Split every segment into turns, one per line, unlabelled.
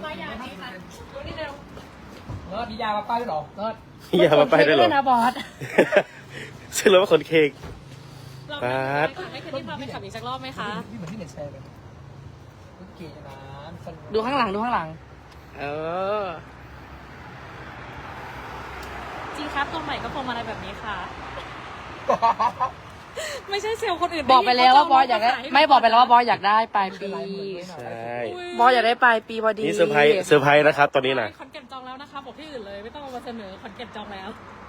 มายาดีค่ะดูนี่เร็ว
เลิศมียามาป้ายด้วยเหรอเลิศ
อย่ามาไปได้หรอ
นะบอส
ซึ่งเราว่าคนเค้ก
เราไม่เคยที่พาไปขับอีกสักรอบไหมคะ
นี่เหมือนที่เน็ตแชร์เลยเก๋นะ
ดูข้างหลังดูข้างหลัง
เออ
จริงครับตัวใหม่ก็พวงมาลัยแบบนี้ค่ะ ไม่ใช่เซลล์คนอื่น
บอกไปแล้วว่าบอสอยากได้ไม่บอกไปแล้วว่าบอสอยากได้ปลายปี
ใช่
บอสอยากได้ปลายปีพอดี
นี่เซอร์ไพรส์นะครับ ตอนนี้นะ
คอนเก็บจองแล้วนะคะบอกที่อื่นเลยไม่ต้องเอามาเสนอคอนเก็บจองแล้ว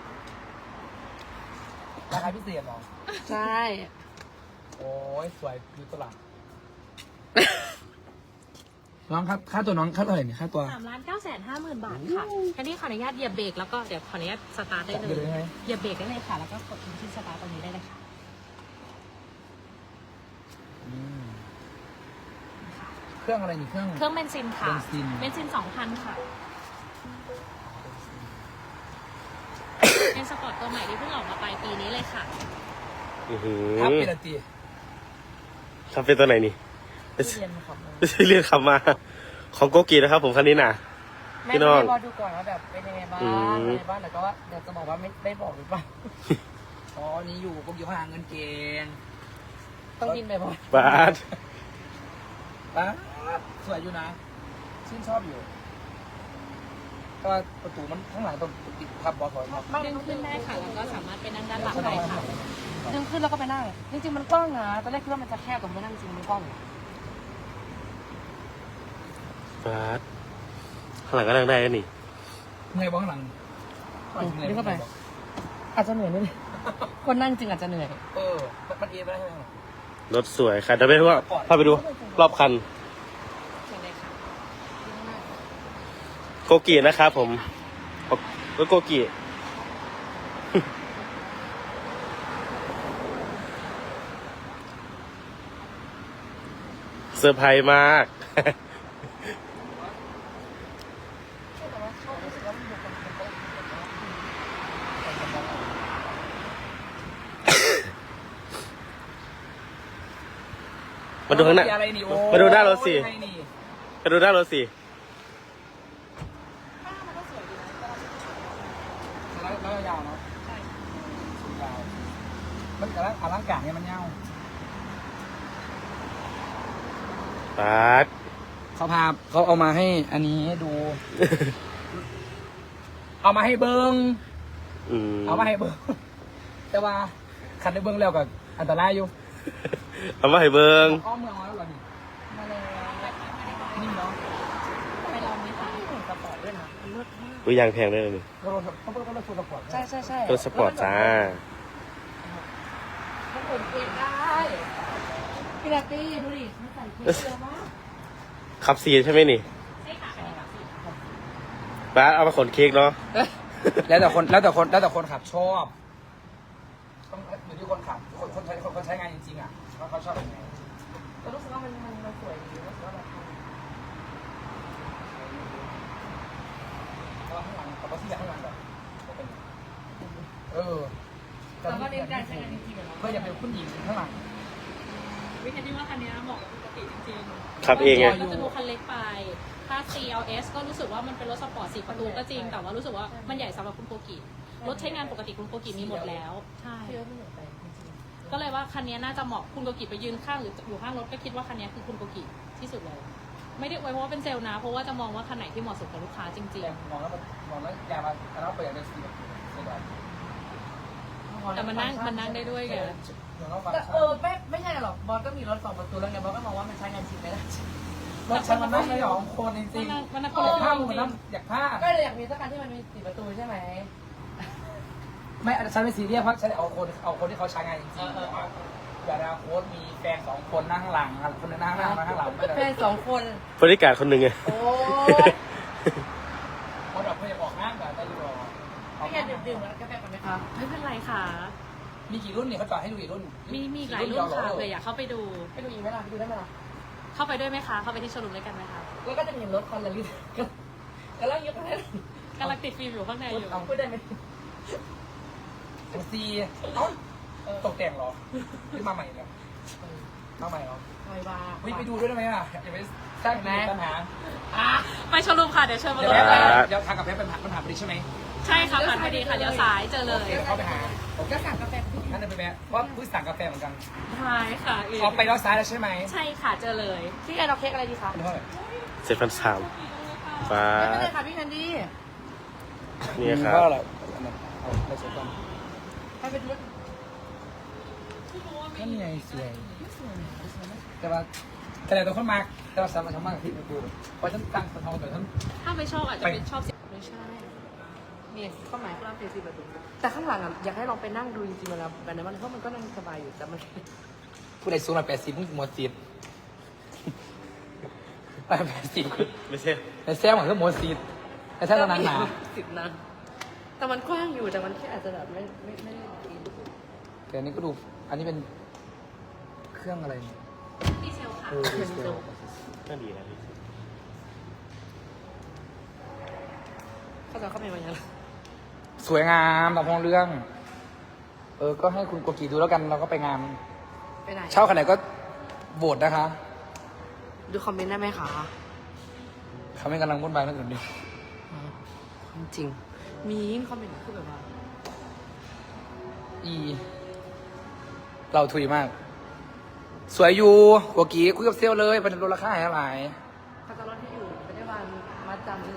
ราคาพิเศษเหรอ
ใช่
โอ้ยสวยดูตลาดน้องครับค่าตัวน้องค่าเท่าไหร่เนี่ยค่าตัว
3,950,000 บาทค่ะแค่นี้ขออนุญาตเหยียบเบรกแล้วก็เดี๋ยวขออนุญาตสตาร์ทได้เล
เดี๋ยวได้ไหม
ยเหยียบเบรกได้เลยค่ะแล้วก็กดที่สตาร์ทตรงนี้ได้เลยค่ะ
เครื่องอะไรนี่เครื่อง
เครื่องเบนซินค่ะ
เบนซิน
เบนซิน 2,000 ค่ะเป็นสปอร์ตตัวใหม่ที่เพิ่งออกมาปลายปีนี้เลยค่ะ
อือหือ
ครับเป็นอะไรตี
ครับเป็นตัวไหนนี่
เรียนครับ
ไม่ใช่เรียกคำมา ของโกกีนะครับ ผมคันนี้น่ะ
แม่
พี่น้อง
บอสดูก่อนว่าแบบเป็นยังไงบ้าง
อืม
เป็นยังไงบ้างแต่ก็ว่าเดี๋ยวจะบอกว่าไม่บอกหรือเปล่า
อ๋อนี่อยู่ผมอยู่หาเงินเก่ง
ต้องกินไปบอส
บาส
อ่ะสวยอยู่นะชื่นชอบอยู่แต่ว่าประตูมันข้างหลังต้องติดทับบอสครับ
ดึงขึ้นได้ค่ะ แล้วก็สามารถไปนั่งด้านหลังได้ค่ะ
ดึงขึ้นแล้วก็ไปนั่งจริงๆมันกว้างนะตอนแรกคิดว่ามันจะแคบแต่ไม่นั่งจริงมันกว้าง
บาสข้างหลังก็นั่งได้แล้วนี่
เงยบ้างหลัง
ดึงเข้าไป อาจจะเหนื่อยนิดนึงคนนั่งจริงอาจจะเหนื่อย
เออมันเอ็นไปได้ไหม
รถสวยค่ะเดี๋ยวไปดูว่าพาไปดูรอบคัน
เชิญเลยค่ะ
โกกีนะครับผมรถโกกีเซอร์ไพรส์มาก มาดูข้างหน้า
อะไรนี่โอ้
มาดูหน้ารถสิ
อะไรนี่
ไปดูด้านรถสิ
แล้วยาวเนาะใช่ยาวมันแต่ละอลังการเนี่ยมันยาว
บาส
เขาพาเขาเอามาให้อันนี้ดู เอามาให้เบิ้ง เอามาให้เบิ้งแต่ว่าขันได้เบิ้งแล้วกับอันตรายอยู่
เอามาให้เบิง
อ้อมเมืองมาแล้วเหรอนี่
มาเลย
นี่เนาะ
ไปลองไหมคะ
สปอร์ตด้วยนะมันเลิศมาก
อุ้ยยางแพงเลยนี่
ก็รถต้องรถสปอร์ต
ใช่ใช่ใช่
รถสปอร์ตจ้า
มันขนเค้กได้พี่นัตตี้ดูดิมันใส่เค้กเยอะมาก
ขับซีใช่ไหมนี่
ใช่ค่ะอันนี้ค่ะ
บาสเอามาขนเค้กเนาะ
แล้วแต่คนขับชอบต้องอยู่ที่คนขับคนใช้งานจริงๆอ่ะว่าเขาชอบยังไง
แต่รู้สึกว่ามันสวยดีรู้สึกว่าแบบ
เพราะว่าข้างหลังกับที่ข้างหลังแบบ
แล้วก็เน้นการใช้งานจริงๆเหรอ
ก็อย่าเป็นผู้หญิงข้างหลัง
วิธีที่ว่าคันนี้เหมาะกับปกติจริงๆ
ขับเองไง
ก็จะดูคันเล็กไป ถ้า CLS ก็รู้สึกว่ามันเป็นรถสปอร์ต4 ประตูก็จริง แต่ว่ารู้สึกว่ามันใหญ่สำหรับคุณโกกิรถใช้งานปกติคุณโกกิมีหมดแล้ว ใช่
เยอะไม่เหมือนไปจริง
ก็เลยว่าคันนี้น่าจะเหมาะคุณโกกิไปยืนข้างหรืออยู่ข้างรถก็คิดว่าคันนี้คือคุณโกกิที่สุดเลย ไม่ได้อวยเพราะว่าเป็นเซลล์นะ เพราะว่าจะมองว่าคันไหนที่เหมาะสมกับลูกค้าจริง
แต่มองแล้วอย่ามาแล้วเปิดอย่างสีแบบสีแบบ
ๆ แต่มันนั่งได้ด้วยไง
แต่ไม่ใช่หรอกบอสก็มีรถ2 ประตูแล้วไงบอสก็มองว่ามันใช้งานจริงไม่ได้
รถฉันมันนั่งไม่หรอคนจริง
มันนั่ง
ๆ
คนละ
อยาก
ข้า
ผ้าง
จ
มัน
ริ
นั่
ง
งอยากผ้า
ก็เลยอยากมีสักคันที่มันมี4 ประตูใช่ไหม
ไม่ฉันไม่ซีเรียสเพราะฉันเอาคนที่เขาใช้งานจริงๆอย่าเอาโค้ดมีแฟน2 คนนั่งข้างหลังคนนึงนั่งข้างหน้าข้างหลังไม่
แฟ
ได้
น2 คน
บริการคนหนึ่งไง
โอ้
คนแบบเพื่อนออกห้างแบบได้อยู่หรอ
ไม่แค่ดื่มๆแล้วกาแฟก่อนไหมคะ
ไม่เป็นไรค่ะ
มีกี่รุ่นเนี่ยเขาจอดให้ดูกี่รุ่น
มีหลายรุ่นค่ะเผื่ออยากเข้าไปดู
ไปดูอีกไหมล่ะไปดูได้ไหมล่ะ
เข้าไปด้วยไหมคะ เข้าไปที่โชว์รูมด้วยกันไหมคะ
แล้วก็จะเห็นรถคอนละลิตก็เล่ายกกันได้
กำลังติดฟิล์มอยู่ข้างในอยู่
เอาพูดได้ไหม
ซีตกแต่งหรอขึ้นมาใหม่แล้วเข้าใหม่เหรอ
ไวบา
เฮ้ยไปดูด้วยได้ไหมอ่ะอย่าไปสร้างปัญหา
ไปโชว์รูมค่ะเดี๋ยวเชิญมา
เดี๋ยว
เลย
แป๊บเดี๋ยวทางกับแป๊บเป็นปัญหาพอดีใช่ไหม
ใช่ค่ะผ่านพอดีค่ะเดี๋ยวซ้ายเจอเลย
เดี๋ยวเข้าไปหาผม
ก็สั่งกาแฟพี่
นั่นเลยไปแม่เพราะเพิ่งสั่งกาแฟเหมือนกัน
ใช่ค่ะ
ออกไปแล้วซ้ายแล้วใช่ไหม
ใช่ค่ะเจอเลย
พี่แอนเอาเค้กอะไรดีคะ
เป็นเท่าไหร่
7,300 ฟ้า
ไม่เป็นไรค่ะพี่แคนดี้
นี่ครับ
เท่าไหร่เอาไปเช็คก่อน
ให้ไปดู
นั่นไงสวยแต่ว่าแต่ละตัวคนมากแต่ว่าสามารถทำมากที่ดูเพราะฉันตั้งสะท้อนแต่ฉัน
ถ้าไม่ชอบอาจจะเป็นชอบเสียงไม่ใช่
นี่ข้าวหมายข้าวเฟซีแบบนี้แต่ข้างหลังอ่ะอยากให้ลองไปนั่งดูจริงๆเวลาแบบนั้นเพราะมันก็นั่งสบายอยู่แต่มัน
ผู้ใดสูงหน่อย80มึงหมดสิบ80
ไม่ใช่
แต่แซมเหมือนก็หมดสิบแต่ถ้าตอนนั้นหนา
10 นะแต่มันกว้างอยู่แต่มันแค่อาจจะแบบไม่ได้กิน
แต่อันนี้ก็ดูอันนี้เป็นเครื่องอะไรเนี่ย
ดีเซลค่ะ
ดีเซล
น่าดีนะพี่
เขาจะเข้าไปวันยัง
สวยงามตามท้องเรื่อง ก็ให้คุณโกกีดูแล้วกันเราก็ไปงาน
ไปไหน
เช่าขนาดไหนก็โหวตนะคะ
ดูคอมเมนต์ได้ไหมคะ
เขาไม่กำลังวุ่นวายเรื่องอื่นดิ
จริงมีคอมเมนต์คือแบบว่า
เราถุยมาก สวยอยู่โกกีคุยกับเซลลเลยเป็นลดราคาให้เท่าไหร่
เขาจะรถที่อยู่ไม่ได้วันมาจำเลย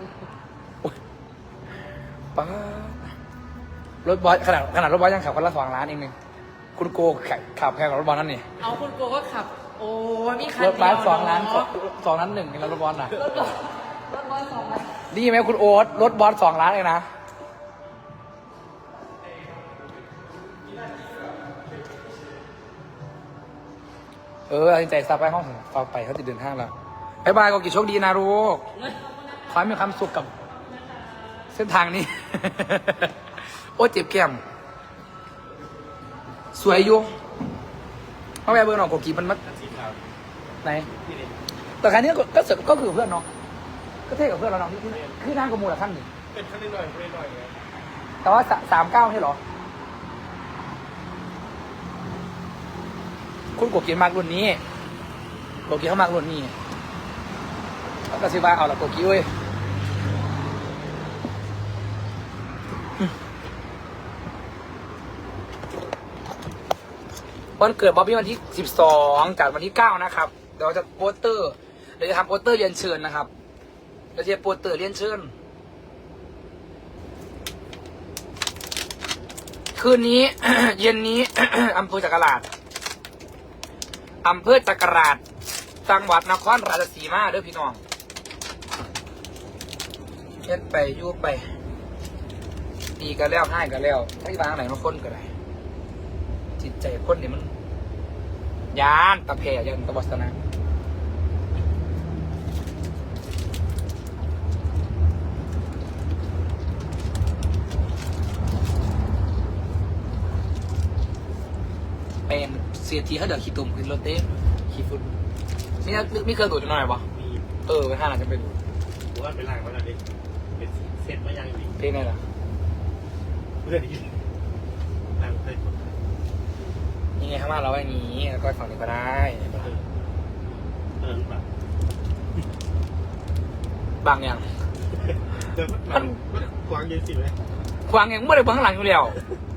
ป้ารถบอสขนาดรถบอสยังขับคนละ2 ล้านเองนึงคุณโกขับแพงกว่ารถบอสนั่นนี่
เอาคุณโกก็ขับ โอ้มีคัน
ร
เดี
ถ
ยว
บอส2 ล้าน
เอะ
2 ล้าน1แล้วรถบอสน่ะ
รถบอส2 ล้าน
นี่ไหมคุณโอ๊ตรถบอส2 ล้านเลยนะตัดสินใจซับไปห้องต่อไปเขาจะเดินทางแล้วบ๊ายบายโกกีโชคดีนะลูกขอให้มีความสุขกับเส้นทางนี้ โอ้เจ็บแก้มสวยอยู่เพราะแม่เบอร์หนองโกกีมันมัด
สีขาว
ไหน
พี่นี่
แต่ครั้นี้ก็เสร็จก็คือเพื่อนเนาะก็เท่กับเพื่อนเราเนาะที่คือนั่งกับมูลขั้นหนึ่ง
เป็นขั้นนิดหน่อยขั้นนิดหน่อยไง
แต่ว่า39ใช่เหรอ คุณโกกีมากรุ่นนี้โกกีเขามากรุ่นนี้แล้วก็ซื้อมาเอาละโกกีเว้ยวันเกิดบ๊อบบี้วันที่12จากวันที่9นะครับเดี๋ยวจะโปสเตอร์เดี๋ยวจะทำโปสเตอร์เรียนเชิญนะครับเดี๋ยวจะโปสเตอร์เรียนเชิญคืนนี้ เย็นนี้ อำเภอจักราชอำเภอจักราชจังหวัดนครราชสีมาเด้อพี่น้องเฮ็ดไปอยู่ไปดีกันแล้วให้กันแล้วให้วางไหนมาคนก็ได้จิตใจคนนี่มันยานตะเพยานตะวัสนะเป็นเสียทีเขาเดือดขี้ตุ่มขึ้นรถเต้ขี้ฝุ่นนี่เคยดูดหน่อยปะ
มี
ไปห้าหลังจะไปดู
ผมว่าเป็นล่างมาแล้วดิเป็นเซ็ตมายังอีก
เพลงไหนล่ะ
เพื่อนอีกล่างเพื่อน
นี่ไงข้างล่างเราไว้อย่างนี้แล้วก็ฝั่งนี้ก็ได้
แบบ
บางอย่าง
มันกวางเย็นสิไหม
ควางอย่างไม่ได้เบื้องหลังอยู่แล้ว